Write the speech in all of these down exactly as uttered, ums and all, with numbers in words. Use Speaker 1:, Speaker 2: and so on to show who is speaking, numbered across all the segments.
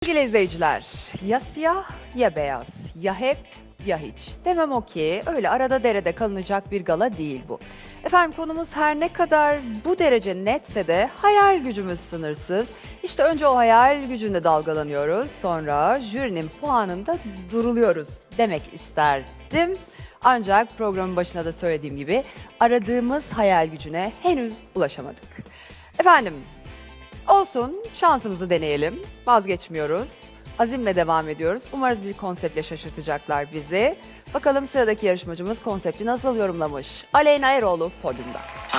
Speaker 1: Sevgili izleyiciler, ya siyah ya beyaz, ya hep ya hiç. Demem o ki öyle arada derede kalınacak bir gala değil bu. Efendim konumuz her ne kadar bu derece netse de hayal gücümüz sınırsız. İşte önce o hayal gücünde dalgalanıyoruz, sonra jürinin puanında duruluyoruz demek isterdim. Ancak programın başında da söylediğim gibi aradığımız hayal gücüne henüz ulaşamadık. Efendim, olsun, şansımızı deneyelim. Vazgeçmiyoruz. Azimle devam ediyoruz. Umarız bir konseptle şaşırtacaklar bizi. Bakalım sıradaki yarışmacımız konsepti nasıl yorumlamış? Aleyna Eroğlu podyumda.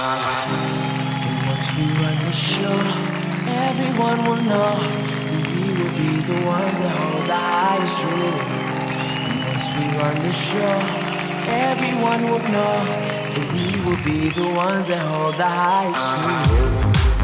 Speaker 2: Once we run the show, everyone will know we will be the ones that hold the highest truth. Once we run the show, everyone will know that we will be the ones that hold the highest truth.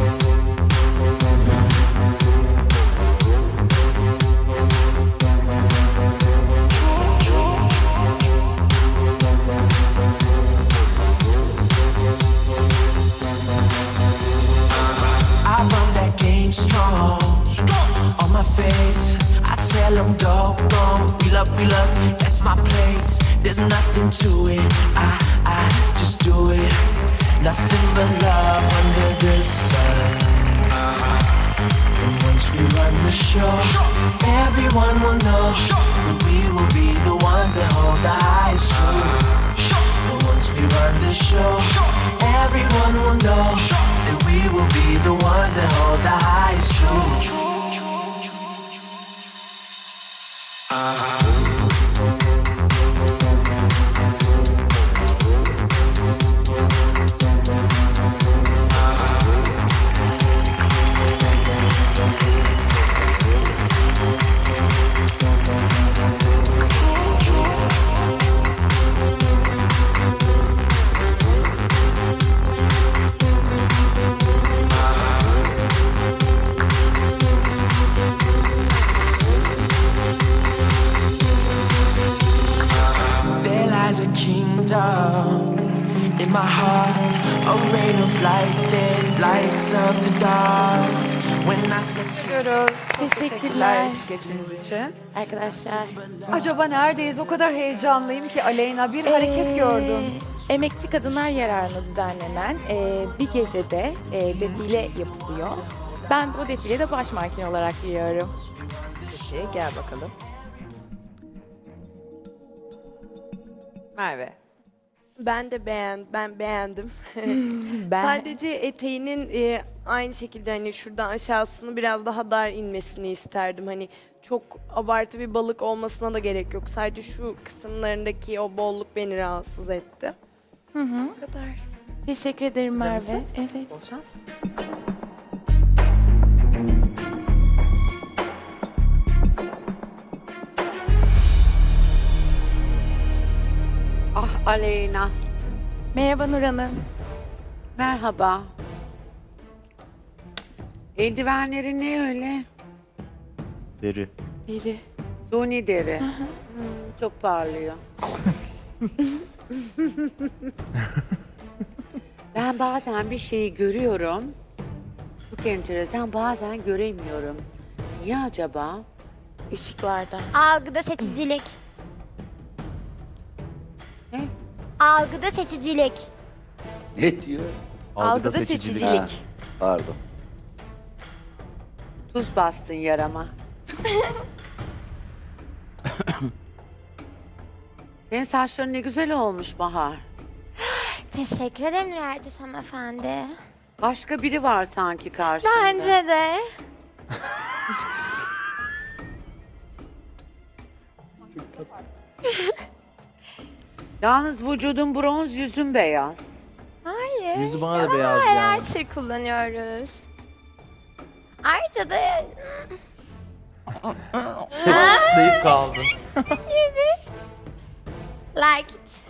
Speaker 2: I run that game strong, on my face. I tell them go, go, wheel up, wheel up, that's my place. There's nothing to it, I, I just do it. Nothing but love under the sun. And once we run the show, everyone will know that we will be the ones that hold the highest truth. And once we run the show, everyone will know that we will be the ones that hold the highest truth. There lies a kingdom in my heart, a rain of light that lights up the dark. When I step to
Speaker 1: Teşekkürler.
Speaker 3: Teşekkürler.
Speaker 1: Şirketiniz için.
Speaker 3: Arkadaşlar.
Speaker 1: Acaba neredeyiz? O kadar heyecanlıyım ki Aleyna bir hareket
Speaker 3: Ee,
Speaker 1: gördüm.
Speaker 3: Emekçi Kadınlar Yararına düzenlenen e, bir gecede e, defile yapılıyor. Ben de o defilede baş manken olarak yürüyorum.
Speaker 1: Peki, gel bakalım. Merve.
Speaker 4: Ben de beğen, ben beğendim.
Speaker 3: Ben
Speaker 4: Sadece eteğinin e, aynı şekilde hani şuradan aşağısını biraz daha dar inmesini isterdim. Hani çok abartı bir balık olmasına da gerek yok. Sadece şu kısımlarındaki o bolluk beni rahatsız etti.
Speaker 3: Hı hı.
Speaker 4: Bu kadar.
Speaker 3: Teşekkür ederim Merve.
Speaker 1: mısın?
Speaker 3: Evet.
Speaker 1: Bol şans.
Speaker 5: Ah Aleyna,
Speaker 3: Merhaba Nur Hanım.
Speaker 5: merhaba. Eldivenlerin ne öyle?
Speaker 6: Deri.
Speaker 3: Biri.
Speaker 5: Suni deri. Hmm, çok parlıyor. Ben bazen bir şeyi görüyorum. Çok enteresan, bazen göremiyorum. Niye acaba?
Speaker 3: Işıklarda.
Speaker 7: Algıda seçicilik.
Speaker 5: Ne?
Speaker 7: Algıda seçicilik.
Speaker 8: Ne diyor?
Speaker 3: Algıda seçicilik.
Speaker 8: Ha, pardon.
Speaker 5: Tuz bastın yarama. Senin saçların ne güzel olmuş Bahar.
Speaker 7: Teşekkür ederim Erdes hanımefendi.
Speaker 5: Başka biri var sanki karşında.
Speaker 7: Bence de.
Speaker 5: Yalnız vücudun bronz, yüzün beyaz.
Speaker 7: Hayır.
Speaker 6: Yüzü bana da
Speaker 7: Ama
Speaker 6: beyaz
Speaker 7: highlighter
Speaker 6: geldi.
Speaker 7: kullanıyoruz. Ayrıca da
Speaker 6: Deyip kaldın.
Speaker 7: like it.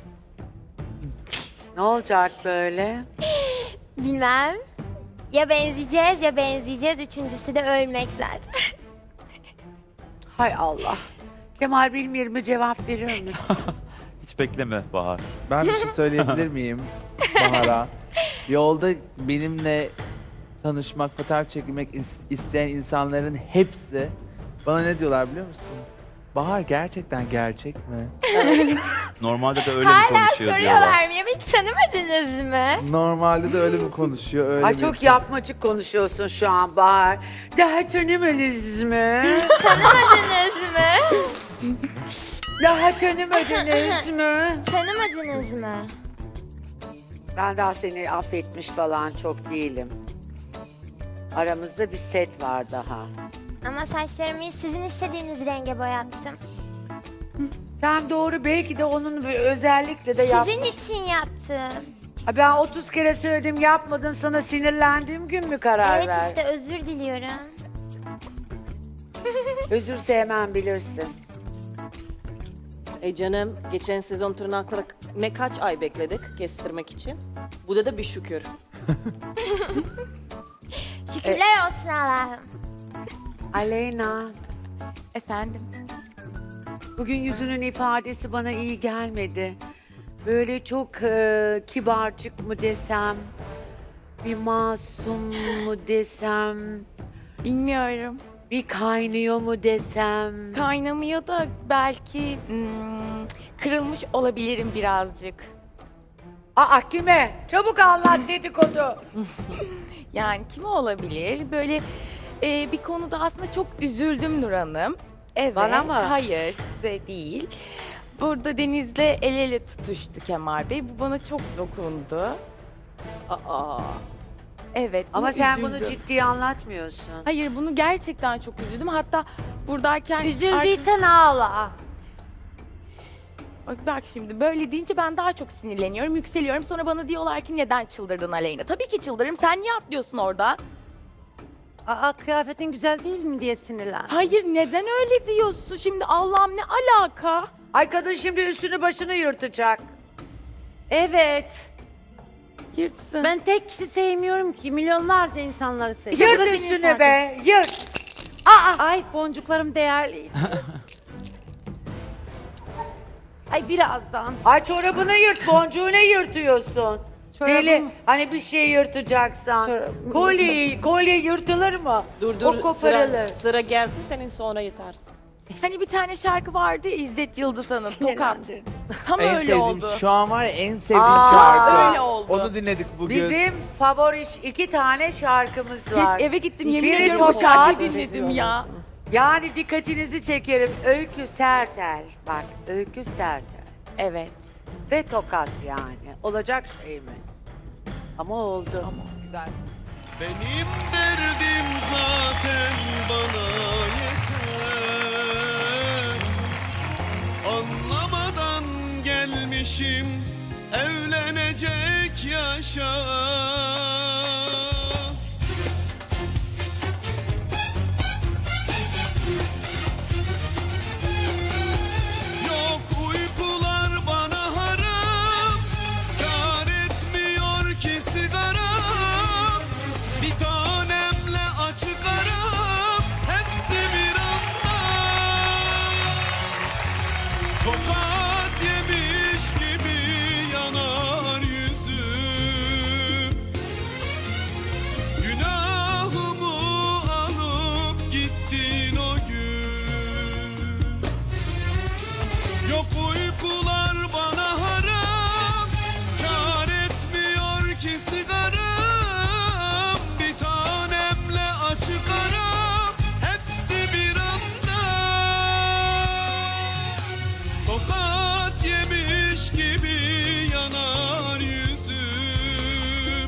Speaker 5: Ne olacak böyle?
Speaker 7: Bilmem. Ya benzeyeceğiz ya benzeyeceğiz. Üçüncüsü de ölmek zaten.
Speaker 5: Hay Allah. Kemal Bilmir'ime cevap verir misin?
Speaker 6: Hiç bekleme Bahar.
Speaker 9: Ben bir şey söyleyebilir miyim Bahar'a? Yolda benimle tanışmak, fotoğraf çekilmek is- isteyen insanların hepsi Bana ne diyorlar biliyor musun? Bahar gerçekten gerçek mi?
Speaker 6: Normalde de öyle mi
Speaker 7: Hala
Speaker 6: konuşuyor diyorlar.
Speaker 7: soruyorlar mı? Ya hiç tanımadınız mı?
Speaker 9: Normalde de öyle mi konuşuyor? Öyle
Speaker 5: Ay
Speaker 9: mi?
Speaker 5: çok yapmacık konuşuyorsun şu an Bahar. Daha tanımadınız mı?
Speaker 7: Tanımadınız mı?
Speaker 5: Daha tanımadınız mı?
Speaker 7: Tanımadınız mı?
Speaker 5: Ben daha seni affetmiş falan çok değilim. Aramızda bir set var daha.
Speaker 7: Ama saçlarımı sizin istediğiniz renge boyattım.
Speaker 5: Sen doğru belki de onun bir özellikle de yap.
Speaker 7: Sizin için yaptım.
Speaker 5: Ha, ben otuz kere söyledim yapmadın, sana sinirlendiğim gün mü karar
Speaker 7: Evet
Speaker 5: ver?
Speaker 7: işte özür diliyorum.
Speaker 5: Özür sevmem bilirsin.
Speaker 10: E canım, geçen sezon tırnakları ne kaç ay bekledik kestirmek için. Bu da da bir şükür.
Speaker 7: Şükürler olsun Allah'ım.
Speaker 5: Aleyna,
Speaker 3: Efendim?
Speaker 5: bugün yüzünün ifadesi bana iyi gelmedi. Böyle çok e, kibarcık mı desem, bir masum mu desem,
Speaker 3: Bilmiyorum.
Speaker 5: bir kaynıyor mu desem.
Speaker 3: Kaynamıyor da belki hmm, kırılmış olabilirim birazcık.
Speaker 5: Aa kime? Çabuk anlat dedikodu.
Speaker 3: Yani kim olabilir? Böyle e, bir konuda aslında çok üzüldüm Nur Hanım. Evet.
Speaker 5: Bana mı?
Speaker 3: Hayır, size değil. Burada Deniz'le el ele tutuştu Kemal Bey. Bu bana çok dokundu.
Speaker 10: Aa.
Speaker 3: Evet.
Speaker 5: Ama
Speaker 3: buna
Speaker 5: sen bunu
Speaker 3: üzüldüm.
Speaker 5: ciddiye anlatmıyorsun.
Speaker 3: Hayır, bunu gerçekten çok üzüldüm. Hatta buradayken...
Speaker 1: Üzüldüysen ağla.
Speaker 3: Bak, bak şimdi böyle deyince ben daha çok sinirleniyorum, yükseliyorum. Sonra bana diyorlar ki neden çıldırdın Aleyna? Tabii ki çıldırırım. Sen niye atlıyorsun orada?
Speaker 1: Aa, kıyafetin güzel değil mi diye sinirlen.
Speaker 3: Hayır, neden öyle diyorsun? Şimdi Allah'ım ne alaka?
Speaker 5: Ay kadın şimdi üstünü başını yırtacak.
Speaker 1: Evet.
Speaker 3: Yırtsın.
Speaker 1: Ben tek kişi sevmiyorum ki. Milyonlarca insanları seviyorum.
Speaker 3: bu
Speaker 5: Yırt
Speaker 3: da senin
Speaker 5: üstünü
Speaker 3: farkın.
Speaker 5: be, yırt.
Speaker 1: Ay boncuklarım değerli. Ay birazdan.
Speaker 5: Ay çorabını yırt, boncuğu ne yırtıyorsun?
Speaker 1: Çorabım-
Speaker 5: Deli, hani bir şey yırtacaksan.
Speaker 1: Çorabım-
Speaker 5: Kolye, kolye yırtılır mı?
Speaker 10: Dur dur,
Speaker 5: O koparılır.
Speaker 10: sıra, sıra gelsin senin sonra yatarsın.
Speaker 3: Hani bir tane şarkı vardı ya, İzzet Yıldız Hanım, Tokat.
Speaker 1: Sinirlendirdin.
Speaker 3: Tam
Speaker 9: En
Speaker 3: öyle
Speaker 9: sevdiğim,
Speaker 3: oldu.
Speaker 9: şu an var ya en sevdiğim
Speaker 5: Aa,
Speaker 9: şarkı.
Speaker 3: öyle oldu.
Speaker 9: Onu dinledik bugün.
Speaker 5: Bizim favori iki tane şarkımız
Speaker 3: Git,
Speaker 5: var.
Speaker 3: eve gittim, yemin
Speaker 5: Biri
Speaker 3: ediyorum o
Speaker 5: Tokat.
Speaker 3: şarkıyı dinledim ya.
Speaker 5: Yani dikkatinizi çekerim. Öykü Sertel. Bak, Öykü Sertel.
Speaker 3: Evet.
Speaker 5: Ve Tokat yani. Olacak şey mi? Ama oldu.
Speaker 1: Güzel.
Speaker 2: Benim derdim zaten bana yeter. Anlamadan gelmişim evlenecek yaşa. Yok uykular bana haram, kâr etmiyor ki sigaram. Bir tanemle açık aram, hepsi bir anda. Tokat yemiş gibi yanar yüzüm. Günahımı alıp gittin o gün. Yok uykular bana haram, kâr etmiyor ki sigaram. Bir tanemle açık aram, hepsi bir anda. Tokat yemiş gibi yanar yüzüm.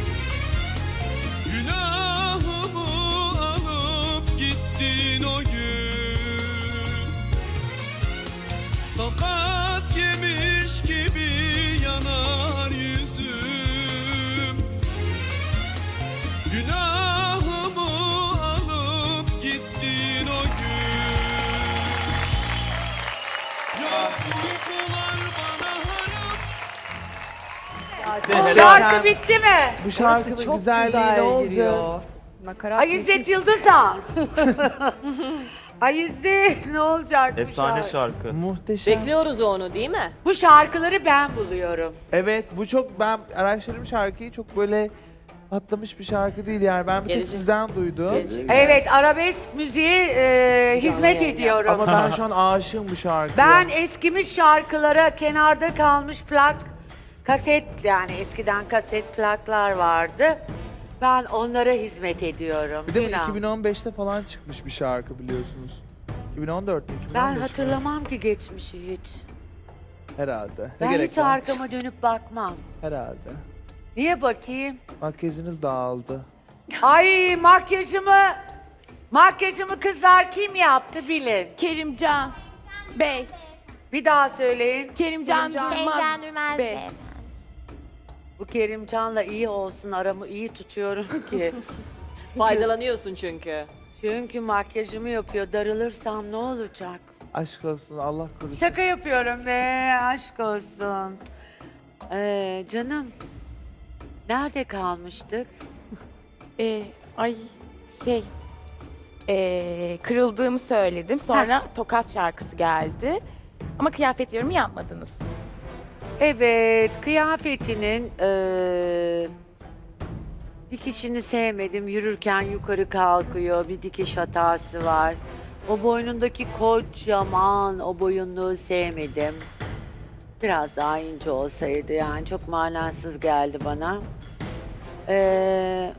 Speaker 2: Günahımı alıp gittin o gün. Tokat yemiş gibi yanar yüzüm. Günahımı alıp gittin o gün. Yok uykular bana haram.
Speaker 5: Şarkı bitti mi?
Speaker 9: Bu şarkının
Speaker 1: çok
Speaker 9: güzelliği
Speaker 1: güzel
Speaker 9: ne oldu?
Speaker 1: giriyor. Nakarat
Speaker 5: Ay İzzet
Speaker 1: nefis.
Speaker 5: Yıldızhan. Ay İzzet ne olacak bu
Speaker 6: Efsane
Speaker 5: şarkı?
Speaker 6: şarkı.
Speaker 9: Muhteşem.
Speaker 10: Bekliyoruz onu değil mi?
Speaker 5: Bu şarkıları ben buluyorum.
Speaker 9: Evet, bu çok, ben araştırdım şarkıyı, çok böyle patlamış bir şarkı değil yani. Ben bir tek
Speaker 10: Gelecek.
Speaker 9: sizden duydum.
Speaker 10: Gelecek.
Speaker 5: Evet, arabesk müziğe e, hizmet
Speaker 10: yayın
Speaker 5: ediyorum.
Speaker 9: Ama ben şu an aşığım bu şarkıya.
Speaker 5: Ben eskimiş şarkılara, kenarda kalmış plak, kaset, yani eskiden kaset plaklar vardı. Ben onlara hizmet ediyorum.
Speaker 9: Bir de bu
Speaker 5: Günah.
Speaker 9: iki bin on beşte falan çıkmış bir şarkı biliyorsunuz. iki bin on dört mü? iki bin on beş
Speaker 5: Ben
Speaker 9: mi?
Speaker 5: hatırlamam ki geçmişi hiç.
Speaker 9: Herhalde. Ne
Speaker 5: Ben
Speaker 9: gerek
Speaker 5: hiç
Speaker 9: var?
Speaker 5: arkama dönüp bakmam.
Speaker 9: Herhalde.
Speaker 5: Niye bakayım?
Speaker 9: Makyajınız dağıldı.
Speaker 5: Ay makyajımı, makyajımı kızlar kim yaptı bilin.
Speaker 3: Kerimcan Bey.
Speaker 5: Bir daha söyleyin.
Speaker 3: Kerimcan,
Speaker 5: Kerimcan.
Speaker 3: Durmaz.
Speaker 7: Kerimcan Durmaz
Speaker 3: Bey.
Speaker 7: Bey.
Speaker 5: Bu Kerimcan'la iyi olsun, aramı iyi tutuyorum ki.
Speaker 10: Faydalanıyorsun çünkü.
Speaker 5: Çünkü makyajımı yapıyor. Darılırsam ne olacak?
Speaker 9: Aşk olsun Allah korusun.
Speaker 5: Şaka yapıyorum be, aşk olsun. Ee, canım, nerede kalmıştık?
Speaker 3: Ee, ay şey ee, kırıldığımı söyledim. Sonra Tokat şarkısı geldi. Ama kıyafet yorumu yapmadınız.
Speaker 5: Evet, kıyafetinin eee dikişini sevmedim. Yürürken yukarı kalkıyor, bir dikiş hatası var. O boynundaki kocaman o boyunluğu sevmedim. Biraz daha ince olsaydı yani çok manasız geldi bana. Eee,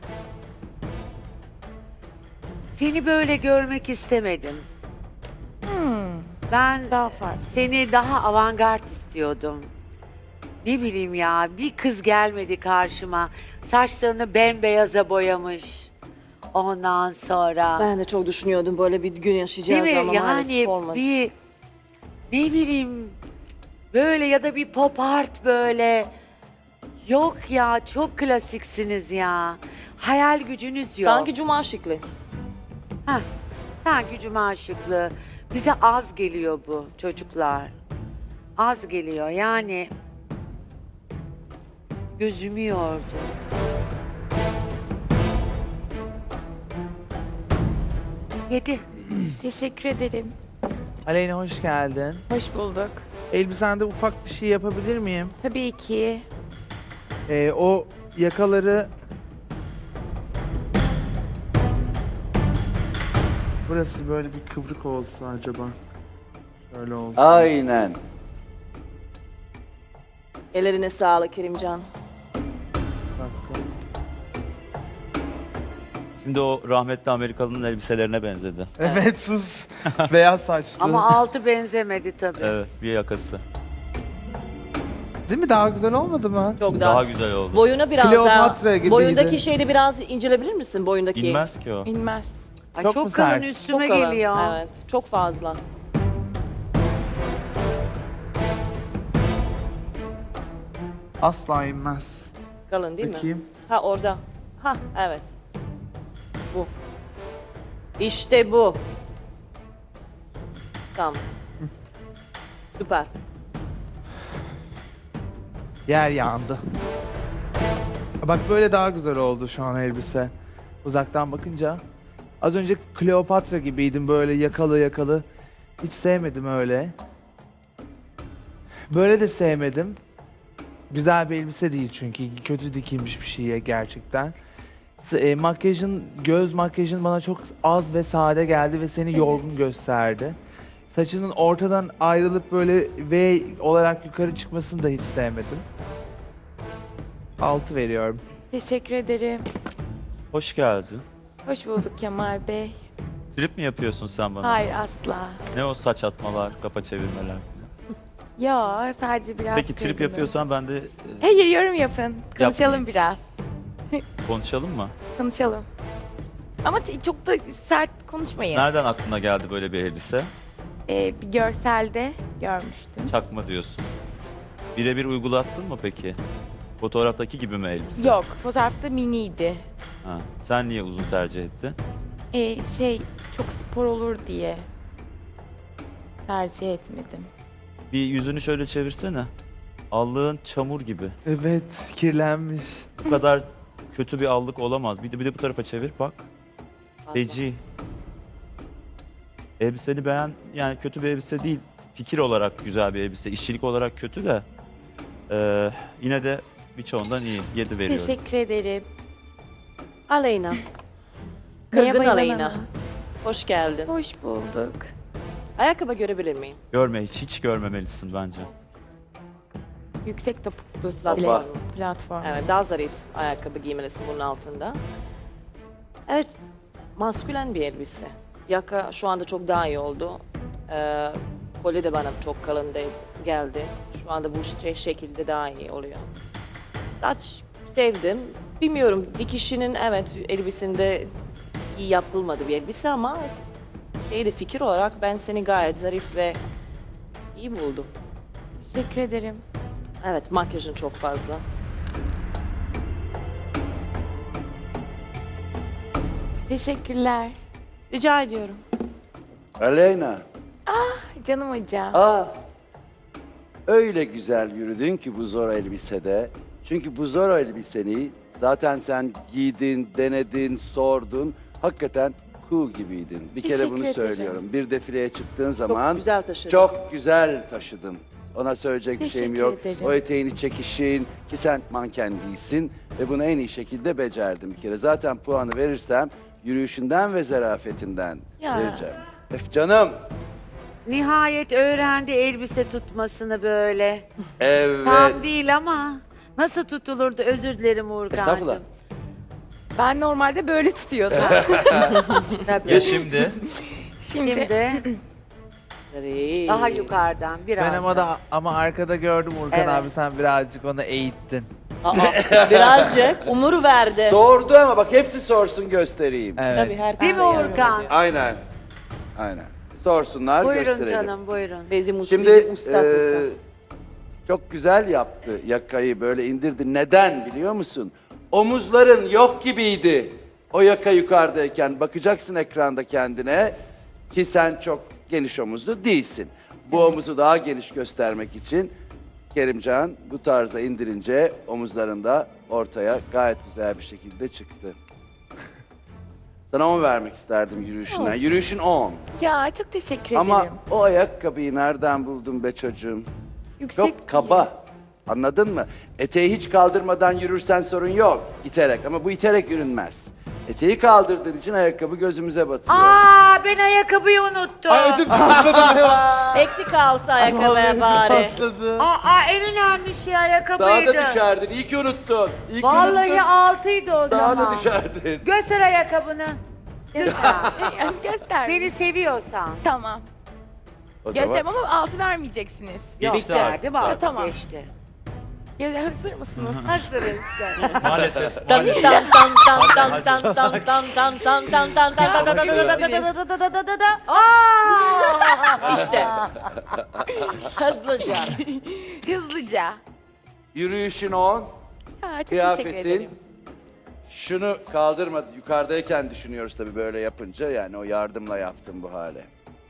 Speaker 5: seni böyle görmek istemedim.
Speaker 3: Hmm,
Speaker 5: Ben
Speaker 3: daha farklı.
Speaker 5: seni daha avantgard istiyordum. Ne bileyim ya, bir kız gelmedi karşıma. Saçlarını bembeyaz'a boyamış. Ondan sonra.
Speaker 10: Ben de çok düşünüyordum böyle bir gün
Speaker 5: Değil
Speaker 10: yaşayacağız
Speaker 5: mi?
Speaker 10: ama
Speaker 5: Yani
Speaker 10: maalesef olmadı.
Speaker 5: bir ne bileyim böyle ya da bir pop art böyle. Yok ya, çok klasiksiniz ya. Hayal gücünüz yok.
Speaker 10: Sanki cuma şıklı.
Speaker 5: Heh, sanki cuma şıklığı. Bize az geliyor bu çocuklar. Az geliyor yani. Gözümü yordu. Yedi.
Speaker 3: Teşekkür ederim.
Speaker 9: Aleyna hoş geldin.
Speaker 3: Hoş bulduk.
Speaker 9: Elbisende ufak bir şey yapabilir miyim?
Speaker 3: Tabii ki.
Speaker 9: Ee, o yakaları... Burası böyle bir kıvrık olsa acaba. Şöyle olsa.
Speaker 8: Aynen.
Speaker 10: Ellerine sağlık Kerimcan.
Speaker 9: Dakika.
Speaker 6: Şimdi o rahmetli Amerikalı'nın elbiselerine benzedi.
Speaker 9: Evet sus. Beyaz saçlı.
Speaker 5: Ama altı benzemedi tabii.
Speaker 6: Evet, bir yakası.
Speaker 9: Değil mi? Daha güzel olmadı mı?
Speaker 10: Çok daha.
Speaker 6: Daha güzel oldu.
Speaker 10: Boyuna biraz
Speaker 9: Kleopatra
Speaker 10: daha.
Speaker 9: gibiydi.
Speaker 10: Boyundaki şeyi biraz incelebilir misin boyundaki?
Speaker 6: İnmez ki o.
Speaker 3: İnmez.
Speaker 5: Ay,
Speaker 9: Çok
Speaker 5: çok,
Speaker 9: mu
Speaker 5: kalın
Speaker 9: sert?
Speaker 5: üstüme
Speaker 10: Çok kalın.
Speaker 5: geliyor.
Speaker 10: Evet, çok fazla.
Speaker 9: Asla inmez.
Speaker 10: Kalın değil mi?
Speaker 9: Bakayım.
Speaker 10: Ha orada. Ha evet. Bu. İşte bu. Tamam. Süper.
Speaker 9: Yer yandı. Bak böyle daha güzel oldu şu an elbise. Uzaktan bakınca. Az önce Kleopatra gibiydim böyle yakalı yakalı. Hiç sevmedim öyle. Böyle de sevmedim. Güzel bir elbise değil çünkü kötü dikilmiş bir şeye gerçekten. S- e, makyajın, göz makyajın bana çok az ve sade geldi ve seni yorgun gösterdi. Saçının ortadan ayrılıp böyle V olarak yukarı çıkmasını da hiç sevmedim. Altı veriyorum.
Speaker 3: Teşekkür ederim.
Speaker 6: Hoş geldin.
Speaker 3: Hoş bulduk Kemal Bey.
Speaker 6: Trip mi yapıyorsun sen bana?
Speaker 3: Hayır asla.
Speaker 6: Ne o saç atmalar, kafa çevirmeler falan?
Speaker 3: Ya sadece biraz
Speaker 6: Peki trip
Speaker 3: kırgınım.
Speaker 6: yapıyorsan ben de e,
Speaker 3: Hayır yorum yapın. Konuşalım
Speaker 6: Yapmayayım.
Speaker 3: biraz.
Speaker 6: konuşalım mı?
Speaker 3: Konuşalım. Ama t- çok da sert konuşmayın.
Speaker 6: Nereden aklına geldi böyle bir elbise?
Speaker 3: Ee, bir görselde görmüştüm.
Speaker 6: Çakma diyorsun. Birebir uygulattın mı peki? Fotoğraftaki gibi mi elbise?
Speaker 3: Yok, fotoğrafta miniydi.
Speaker 6: Ha. Sen niye uzun tercih ettin?
Speaker 3: Ee, şey, çok spor olur diye tercih etmedim.
Speaker 6: Bir yüzünü şöyle çevirsene. Allığın çamur gibi.
Speaker 9: Evet, kirlenmiş.
Speaker 6: Bu kadar kötü bir allık olamaz. Bir de, bir de bu tarafa çevir bak.
Speaker 10: Fazla.
Speaker 6: Feci. Elbiseni beğen, yani kötü bir elbise değil. Fikir olarak güzel bir elbise. İşçilik olarak kötü de. eee, yine de birçoğundan iyi. Yedi veriyorum.
Speaker 3: Teşekkür ederim.
Speaker 10: Aleyna.
Speaker 3: Merhaba
Speaker 10: Kırgın
Speaker 3: İvan
Speaker 10: Aleyna.
Speaker 3: Hanım.
Speaker 10: Hoş geldin.
Speaker 3: Hoş bulduk.
Speaker 10: Ayakkabı görebilir miyim?
Speaker 6: Görme, hiç, hiç görmemelisin bence.
Speaker 3: Yüksek topuklu
Speaker 10: Platform.
Speaker 3: stiletto platform.
Speaker 10: Evet, daha zarif ayakkabı giymelisin bunun altında. Evet, maskülen bir elbise. Yaka şu anda çok daha iyi oldu. Ee, kolye de bana çok kalın de geldi. Şu anda bu şey şekilde daha iyi oluyor. Saç sevdim. Bilmiyorum, dikişinin evet elbisinde iyi yapılmadı bir elbise ama şeyde fikir olarak ben seni gayet zarif ve iyi buldum.
Speaker 3: Teşekkür ederim.
Speaker 10: Evet, makyajın çok fazla.
Speaker 3: Teşekkürler.
Speaker 10: Rica ediyorum.
Speaker 8: Aleyna.
Speaker 3: Canım hocam.
Speaker 8: Aa, öyle güzel yürüdün ki bu zor elbisede. Çünkü bu zor elbiseni zaten sen giydin, denedin, sordun. Hakikaten cool gibiydin. Bir kere
Speaker 3: Teşekkür
Speaker 8: bunu
Speaker 3: ederim.
Speaker 8: söylüyorum. Bir defileye çıktığın
Speaker 10: Çok
Speaker 8: zaman
Speaker 10: güzel taşıdın.
Speaker 8: çok güzel taşıdın. Ona söyleyecek bir şeyim
Speaker 3: Teşekkür
Speaker 8: yok.
Speaker 3: ederim.
Speaker 8: O eteğini çekişin ki sen manken değilsin ve bunu en iyi şekilde becerdin bir kere. Zaten puanı verirsem yürüyüşünden ve zarafetinden
Speaker 3: Ya.
Speaker 8: vereceğim. Öf canım.
Speaker 5: Nihayet öğrendi elbise tutmasını böyle.
Speaker 8: Evet.
Speaker 5: Tam değil ama nasıl tutulurdu, özür dilerim
Speaker 8: Estağfurullah.
Speaker 5: Uğurkan'cığım.
Speaker 3: Ben normalde böyle tutuyordum.
Speaker 5: Tabii.
Speaker 6: Ya şimdi?
Speaker 3: Şimdi,
Speaker 5: Şimdi
Speaker 10: Zarif.
Speaker 5: daha yukarıdan biraz.
Speaker 9: Ben ama da ama arkada gördüm Urkan
Speaker 5: Evet.
Speaker 9: abi, sen birazcık onu eğittin.
Speaker 10: Aa, birazcık umur verdi.
Speaker 8: Sordu ama bak hepsi sorsun göstereyim.
Speaker 9: Evet.
Speaker 10: Tabii herkes
Speaker 5: Değil mi
Speaker 10: de yardım
Speaker 5: Uğurkan?
Speaker 10: ediyor.
Speaker 8: Aynen. Aynen. Sorsunlar
Speaker 5: Buyurun
Speaker 8: gösterelim.
Speaker 5: canım, buyurun.
Speaker 10: Bizim, bizim
Speaker 8: Şimdi
Speaker 10: usta
Speaker 8: eee,
Speaker 10: Uğurkan.
Speaker 8: çok güzel yaptı yakayı böyle indirdi. Neden biliyor musun? Omuzların yok gibiydi. O yaka yukarıdayken bakacaksın ekranda kendine ki sen çok geniş omuzlu değilsin. Bu omuzu daha geniş göstermek için Kerimcan bu tarzda indirince omuzlarında ortaya gayet güzel bir şekilde çıktı. Sana on vermek isterdim yürüyüşünden. Yürüyüşün on.
Speaker 3: ya çok teşekkür
Speaker 8: Ama
Speaker 3: ederim.
Speaker 8: o ayakkabıyı nereden buldun be çocuğum?
Speaker 3: Yüksek
Speaker 8: Çok kaba. Anladın mı? Eteği hiç kaldırmadan yürürsen sorun yok. İterek ama bu iterek yürünmez. Eteği kaldırdığın için ayakkabı gözümüze batıyor.
Speaker 5: Aa, ben ayakkabıyı unuttum.
Speaker 10: Eksik kalsa ayakkabıya bari.
Speaker 5: Aa, en önemli şey
Speaker 8: Daha
Speaker 5: ayakkabıydı.
Speaker 8: da düşerdin. İyi ki unuttun. İyi ki
Speaker 5: Vallahi
Speaker 8: unuttun.
Speaker 5: altıydı o
Speaker 8: Daha
Speaker 5: zaman.
Speaker 8: da düşerdin.
Speaker 5: Göster ayakkabını. Lütfen.
Speaker 3: Göster.
Speaker 5: Beni seviyorsan.
Speaker 3: Tamam.
Speaker 8: O zaman
Speaker 3: Göstereyim ama altı vermeyeceksiniz.
Speaker 5: Yok
Speaker 6: Geçti artık.
Speaker 5: derdi var.
Speaker 3: Ya, tamam.
Speaker 5: Geçti.
Speaker 3: Ya, hazır mısınız?
Speaker 5: Hazırız.
Speaker 6: Maalesef.
Speaker 10: Tan
Speaker 6: maalesef.
Speaker 10: tan tan tan tan tan tan tan tan tan tan tan tan tan tan tan tan tan tan tan. Aa! İşte. Hızlıca.
Speaker 3: Hızlıca.
Speaker 8: yürüyüşün on,
Speaker 3: Ha, çok teşekkür
Speaker 8: kıyafetin.
Speaker 3: ederim.
Speaker 8: Şunu kaldırma. Yukarıdayken düşünüyoruz tabii böyle yapınca. Yani o yardımla yaptım bu hale.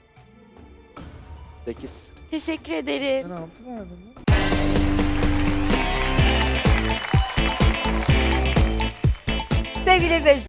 Speaker 8: Sekiz.
Speaker 3: Teşekkür ederim.
Speaker 9: Ben altı verdim.
Speaker 1: Sevgili izleyiciler.